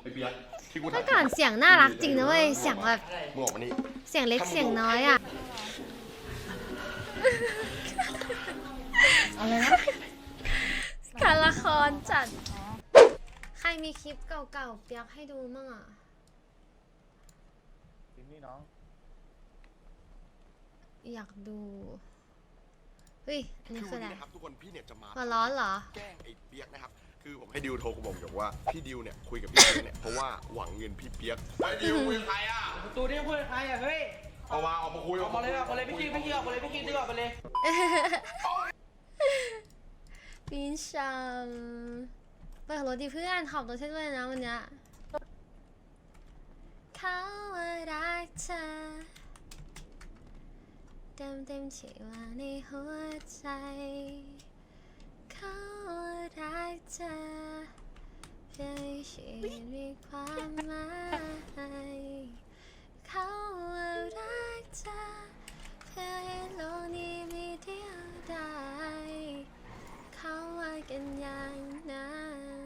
ไอ้เปียกที่กูเมื่อก่อนเสียงน่ารักจริงนะเว้ยเสียงแบบมึงออกมานี่เสียงเล็กเสียงน้อยอ่ะอะไรนะการละครจัดใครมีคลิปเก่าๆเปียกให้ดูมั่งอ่ะนี่น้องอยากดูเฮ้ยอันนี้คืออะไรนะครับทุกคนพี่เนี่ยจะมาหัวร้อนเหรอแกล้งไอ้เปียกนะครับคือผมให้ดิวโทรบอกว่าพี่ดิวเนี่ยคุยกับพี่เปียกเนี่ยเพราะว่าหวังเงินพี่เปียกไอ้ดิวคุยกับใครอ่ะประตูนี่คุยกับใครอ่ะเฮ้ยออกมาคุยออกมาเลยออกมาเลยพี่คิงออกมาเลยพี่คิงดีกว่าไปเลยปีนชัมเปิดรถดิเพื่อนขับรถใช่ด้วยนะวันเนี้ยเขาว่ารักเธอเต็มที่ว่าในหัวใจเขาว่ารักเธอเพื่อให้ชีวิตมีความหมายเขาว่ารักเธอเพื่อให้โลกนี้มีเดียวดายเขาว่ากันอย่างนั้น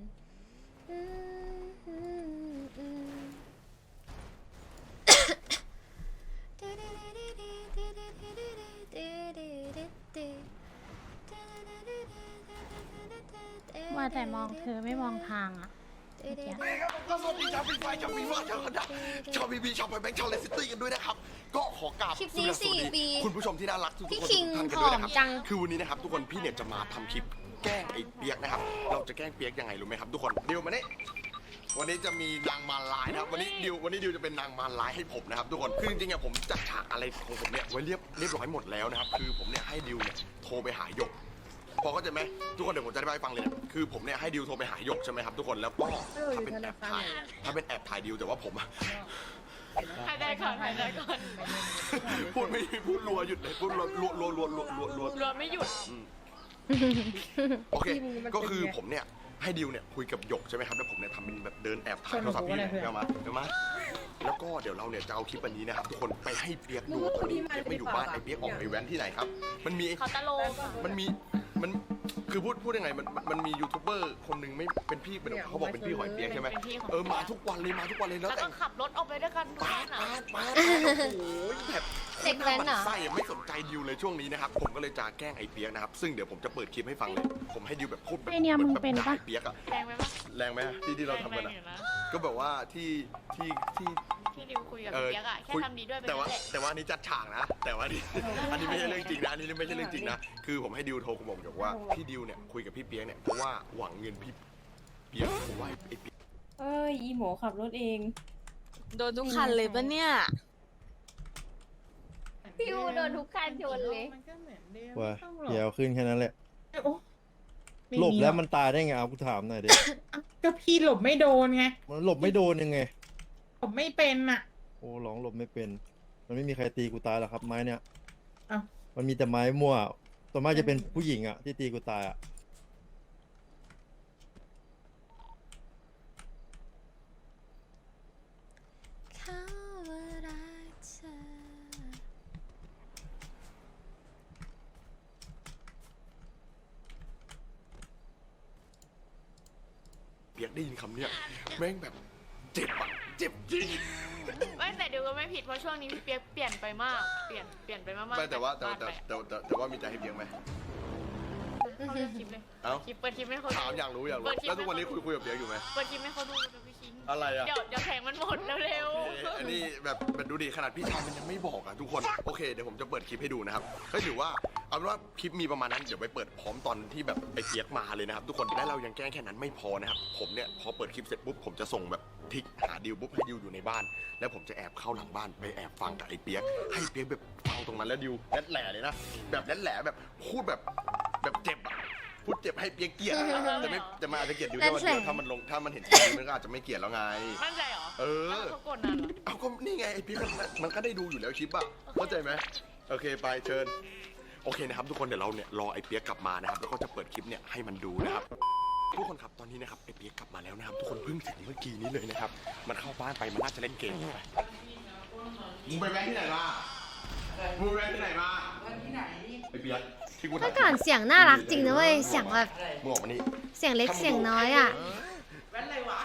ว่าแต่มองเธอไม่มองทางอ่ะก็สวัสดีชาวฟีไฟชาวฟีฟ่าชาวคณะชาวบีบีชาวไพแบงค์ชาวเลสซิตี้กันด้วยนะครับก็ขอกราบคลิปนี้สวัสดี 4 ปีคุณผู้ชมที่น่ารักทุกพี่คนคิงทุกท่านกันผด้วอย มนะครับจังคือวันนี้นะครับทุกคนพี่เนี่ยจะมาทำคลิปแกล้งไอ้เปียกนะครับเราจะแกล้งเปียกยังไงรู้ไหมครับทุกคนเดี๋ยวมาเนี่ยวันนี้จะมีนางมารลายนะครับวันนี้ดิวจะเป็นนางมารลายให้ผมนะครับทุกคนคือจริงๆอะผมจัดฉากอะไรของผมเนี่ยไว้เรียบร้อยหมดแล้วนะครับคือผมเนี่ยให้ดิวเนี่ยโทรไปหาหยกพอเข้าใจไหมทุกคนเดี๋ยวผมจะอธิบายให้ฟังเลยเนี่ยคือผมเนี่ยให้ดิวโทรไปหาหยกใช่ไหมครับทุกคนแล้วก็ถ้าเป็นแอบถ่ายดิวแต่ว่าผมอะหายใจก่อนหายใจก่อนพูดไม่พูดรัวหยุดเลยพูดรัวรวมไม่หยุดโอเคก็คือผมเนี่ยให้ดิวเนี่ยคุยกับหยกใช่ไหมครับแล้วผมเนี่ยทำเป็นแบบเดินแอบถ่ายโทรศัพท์พี่เนี่ยเดี๋ยวมาแล้วก็เดี๋ยวเราเนี่ยจะเอาคลิปอันนี้นะครับทุกคนไปให้เปียกดูตอนนี้เปียกไม่อยู่บ้านไอ้เปียกออกไปแว้นที่ไหนครับมันมีเขาตะโลงมันคือพูดยังไงมันมียูทูบเบอร์คนหนึ่งไม่เป็นพี่เป็นเขาบอกเป็นพี่หอยเปียกใช่ไหมมาทุกวันเลยแล้วแล้วแต่ก็ขับรถออกไปด้วยกันทุกปาวัดนอ่ะโอ้โหแบบเด็กแว้นเหรอไส้ไม่สนใจดิวเลยช่วงนี้นะครับผมก็เลยจะแกล้งไอ้เปียกนะครับซึ่งเดี๋ยวผมจะเปิดคลิปให้ฟังเลยผมให้ดิวแบบพูดแบบไอเนี่ยมึงเป็นปะด่าไอ้เปียกอะแรงไหมปะแรงไหมที่เราทำกันอะแรงอยู่นะก็แบบว่าที่ที่ดิวคุยกับเปียกอะแค่ทำดีด้วยไปแต่ว่าแหละแต่ว่าอันนี้จัดฉากนะ แต่ว่านี่ อันนี้ไม่ใช่เรื่องจริงนะอันนี้ไม่ใช่เรื่องจริงนะคือผมให้ดิวโทรบอกว่าพี่ดิวเนี่ยคุยกับพี่เปียกเนี่ยเพราะว่าหวังเงินพี่เปียกผมว่าไอ้เปียกเอ้ยอีหมูขับรถเองโดนทุกคันเลยปะเนี่ยพี่อูโดนทุกคันชนเลยว่าเดี๋ยวขึ้นแค่นั้นแหละโอ้ไม่หลบมีแล้วรอกมันตายได้ไงเอากูถามหน่อยดิก็พี่หลบไม่โดนไงมันหลบไม่โดนยังไงหลบไม่เป็นอ่ะโอ้ร้องหลบไม่เป็น มันไม่มีใครตีกูตายหรอกครับไม้เนี่ยอ้าวมันมีแต่ไม้มั่วส่วนมากจะเป็นผู้หญิงอ่ะที่ตีกูตายอ่ะเขาว่ารักเธอเปียกได้ยินคำเนี้ยแม่งแบบเจ็บอะเจ็บจริงไม่แต่ดิวก็ไม่ผิดเพราะช่วงนี้พี่เปียกเปลี่ยนไปมากเปลี่ยนไปมากๆไม่แต่ว่าจกบ้นไปอะแต่ว่ามีใจให้เปียกไหมเขาเลือกคลิปเลยเอ้าเปิดคลิปให้เขาดูถามอยากรู้เปิดคลิปแล้วทุกวันนี้คุยกับเปียกอยู่ไหมเปิดคลิปให้เขาดูเดี๋ยวพี่คิงอะไรอะเดี๋ยวแผงมันหมดเร็วอันนี้แบบดูดิขนาดพี่ชายมันยังไม่บอกอะทุกคนโอเคเดี๋ยวผมจะเปิดคลิปให้ดูนะครับก็ถือว่าเอาเป็นว่าคลิปมีประมาณนั้นเดี๋ยวไปเปิดพร้อมตอนที่แบบไอ้เปียกมาเลยนะครับทุกคนและเรายังแกล้งแค่นั้นไม่พอนะครับผมเนี่ยพอเปิดคลิปเสร็จปุ๊บผมจะส่งแบบทิกหาดิวปุ๊บให้ดิวอยู่ในบ้าน แล้วผมจะแอบเข้าหลังบ้านไปแอบฟังกับไอ้เปียกให้เปียกแบบฟังตรงนั้นแล้วดิวแรดแหล่เลยนะแบบแรดแหล่แบบพูดแบบเจ็บอะพูดเจ็บให้เปียกเกลียดอะแต่มันอาจจะเกลียดดิวแค่วันเดียวถ้ามันเห็นดิวมันก็อาจจะไม่เกลียดแล้วไงๆมั่นใจเหรอเออแล้วเขากดนานเหรอเอาก็นี่ไงไอพี่มันก็ได้ดูอยู่แล้วคลิปอะเข้าใจไหมโอเคไปเชิญโอเคนะครับทุกคนเดี๋ยวเราเนี่ยรอไอเปียกกลับมานะครับแล้วก็จะเปิดคลิปเนี่ยให้มันดูนะครับทุกคนครับตอนนี้นะครับไอเปียกกลับมาแล้วนะครับทุกคนเพิ่งถึงเมื่อกี้นี้เลยนะครับมันเข้าบ้านไปมันน่าจะเล่นเกมไปมึงไปแว้นที่ไหนมามึงไปแว้นที่ไหนมาไอเปียกที่กูเมื่อก่อนเสียงน่ารักจริงนะเว้ยเสียงแบบมึงออกมานี่เสียงเล็กเสียงน้อยอ่ะมึง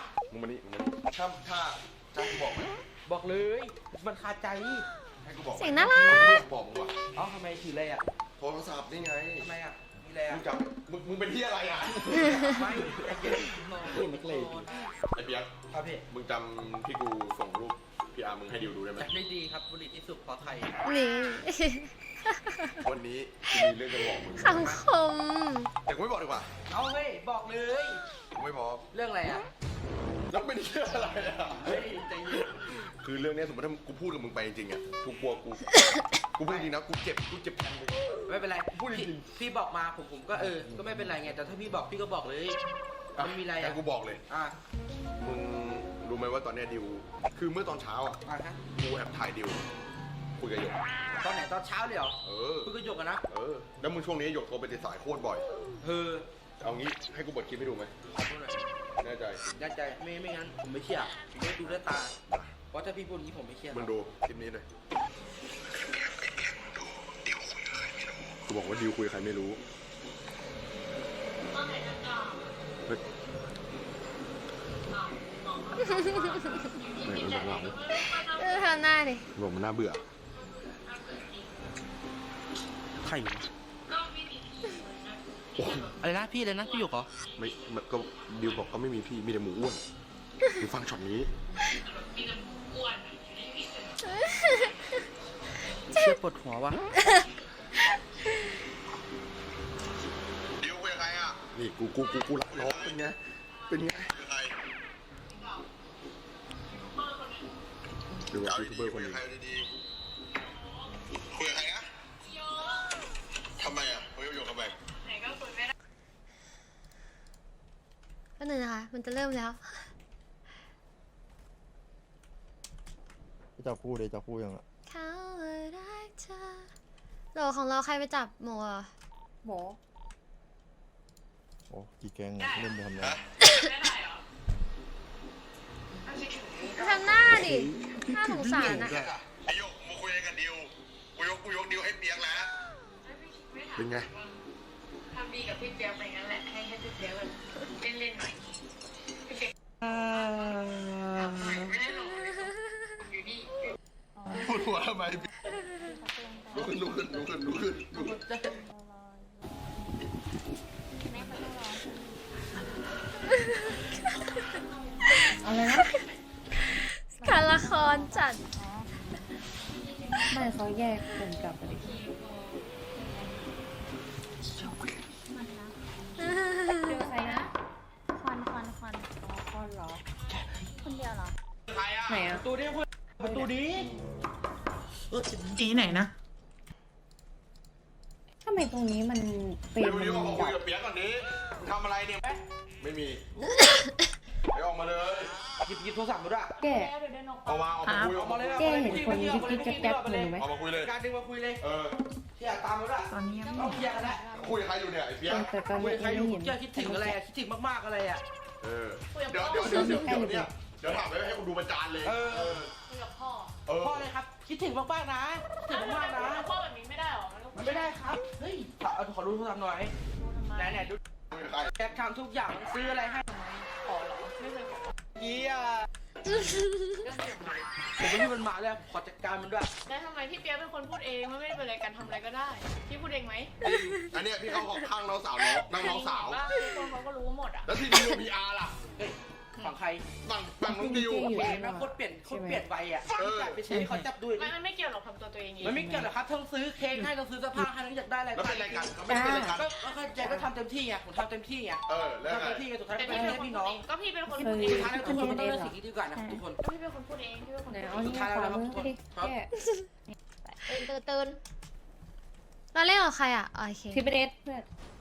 มานี่ถ้ากูบอกไหมบอกเลย มันคาใจให้กูบอกไหมเสียงน่ารักบอกมึงว่ะเอ้าทำไมถืออะไรอ่ะโทรศัพท์นี่ไงทำไมอ่ะ มีอะไรมึอ่ะงจำมึงเป็นที่อะไรอ่ะไม่ไอ้เกมนักเลงไอ้เปียกครับพี่มึงจำที่กูส่งรูปพี่อาร์มึงให้ดิวดูได้ไหมจัดได้ดีครับบุหรี่ที่สุดเพราะไทยนี่วันนี้กูมีเรื่องจะบอกมึงสังคมแต่กูไม่บอกดีกว่าเอาเฮ้ย บอกเลยกูไม่พร้อมเรื่องอะไรอ่ะแล้วเป็นเรื่องอะไรอ่ะเฮ้ยใจเย็นคือเรื่องเนี้ยสมมติถ้ากูพูดกับมึงไปจริงๆอ่ะกูกลัวกูพูดจริงนะกูเจ็บแทนมึงไม่เป็นไรพูดจริงพี่บอกมาผมก็ก็ไม่เป็นไรไง แต่ถ้าพี่บอกพี่ก็บอกเลย มันมีอะไรแต่อ่ะกูบอกเลยอ่ะมึงรู้ไหมว่าตอนเนี้ยดิว คือเมื่อตอนเช้าอ่ะอ่ะฮะกูแอบถ่ายดิวคุยกับหยกตอนไหนตอนเช้าเลยเหรอเออคุยกับหยกกันนะแล้วมึงช่วงนี้หยกโทรไปติดสายโคตรบ่อยเฮ้อเอางี้ให้กูเปิดคลิปให้ดูไหมขอโทษหน่อยแน่ใจยัดใจไม่งั้นผมไม่เชื่อผมไม่ดูด้วยตา เพราะถ้าพี่พูดอย่างนี้ผมไม่เชื่อมึงดูคลิปนี้เลยกูบอกว่าดิวคุยกับใครไม่รู้เฮ้ยไม่บอกเราทำหน้าดิบอกมันน่าเบื่อใครวะอะไรนะพี่เลยนะพี่หยกเหรอไม่ก็ดิวบอกก็ไม่มีพี่มีแต่หมูอ้วนมึงฟังช็อตนี้เชื่อปวดหัววะดิวคุยกับใครอ่ะนี่กูรักน้องเป็นไงเป็นไงดูว่ายูทูบเบอร์คนหนึงคุยกับใครนะทำไมอ่ะคุยกับโยกทำไมก็หนึ่งนะคะ มันจะเริ่มแล้วจะจับคู่เลยจับคู่ยังอ่ะเขารักเธอโหลของเราใครไปจับหมูอ่ะหมอโอ้กี่แกงอะเล่นไปทำไงทำหน้าดิน่าสงสารอ่ะไอโยกมาคุยอะไรกับดิวกูยกดิวให้เปียกแล้วเป็นไงทำดีกับพี่เปียกไปงั้นแหละ ให้พี่เปียกแบบเล่นๆหน่อยพี่เปียกไม่ได้หรอกอยู่นี่พูดหัวทำไมลุกขึ้นอะไรนะการละครจัดไม่เขาแยกคนกลับไปดิเจอใครนะควันอ๋อคนเหรอคนเดียวเหรอไหนอะประตูนี้คุณประตูนี้สีไหนนะทำไมตรงนี้มันเป็นดิวมันมาคุดัยบกับเปียกก่อนดิมึงทำอะไรเนี่ยไม่มีไปออกมาเลยหยิบโทรศัพท์มาด้วยแกออกมาคุยออกมาเลยเจ๊เห็นคนยิบยิบแจ๊บๆอยู่ไหมออกมาคุยเลยการดึงมาคุยเลยเที่อยากตามมาด้วยตอนนี้ยังไม่ต้องเคลียร์กันแล้วคุยกับใครอยู่เนี่ยไอ้เปียกแต่ตอนคุยนี้กับใครยังอยู่ไม่เห็นคิดถึงอะไรอ่ะคิดถึงมากๆอะไรอ่ะเดี๋ยวเนี่ยเดี๋ยวถามไปให้คุณดูประจานเลยคุยกับพ่อพ่อเลยครับ คิดถึงมากๆนะคิดถึงมากๆนะคุยกับพ่อแบบนี้ไม่ได้หรอมันไม่ได้ครับเฮ้ยขอดูโทรศัพท์หน่อยไหนดูคุยกับใครแกทำทุกอย่างซื้ออะไรให้ขอเหรอ ไม่เคยขอเยี่ยผมไม่มีมันมาเลยขอจัดการมันด้วยแล้วทำไมพี่เปียกเป็นคนพูดเองมันไม่ได้เป็นอะไรกันทำอะไรก็ได้ พี่พูดเองไหมอันเนี้ยพี่เขาข้างน้องสาวน้องสาวว่าทุกคนเขาก็รู้หมดอ่ะแล้วที่ดิวพีอาร์ล่ะเฮ้ยฝั่งใครฝั่งน้องดิวแม่นะโคตรเปลี่ยนไปอ่ะจ่ายไปใช้เขาจับดูมันไม่เกี่ยวหรอกทำตัวตัวเองเองมันไม่เกี่ยวหรอกครับทั้งซื้อเค้กให้ทั้งซื้อเสื้อผ้าให้ทั้งอยากได้อะไรแล้วเป็นรายการเขาไม่เป็นรายการก็แจ็คก็ทำเต็มที่ไงผมทำเต็มที่ไงแล้วทำไงเต็มที่ไงสุดท้ายแต่ก็พี่ไม่เป็นให้คนพี่พูน้ดองเองก็พี่เป็นคนเอพูอดเองสุดท้ายแล้วทุกคนต้องเลือกสิ่งที่ดีกว่านะทุกคนพี่เป็นคนพูดเองพี่เป็นคนไหนพูดเอานี่ขวามือไปดิแกตื่นเราเล่นกับใครอ่ะโอเคทิปเดสเพื่อน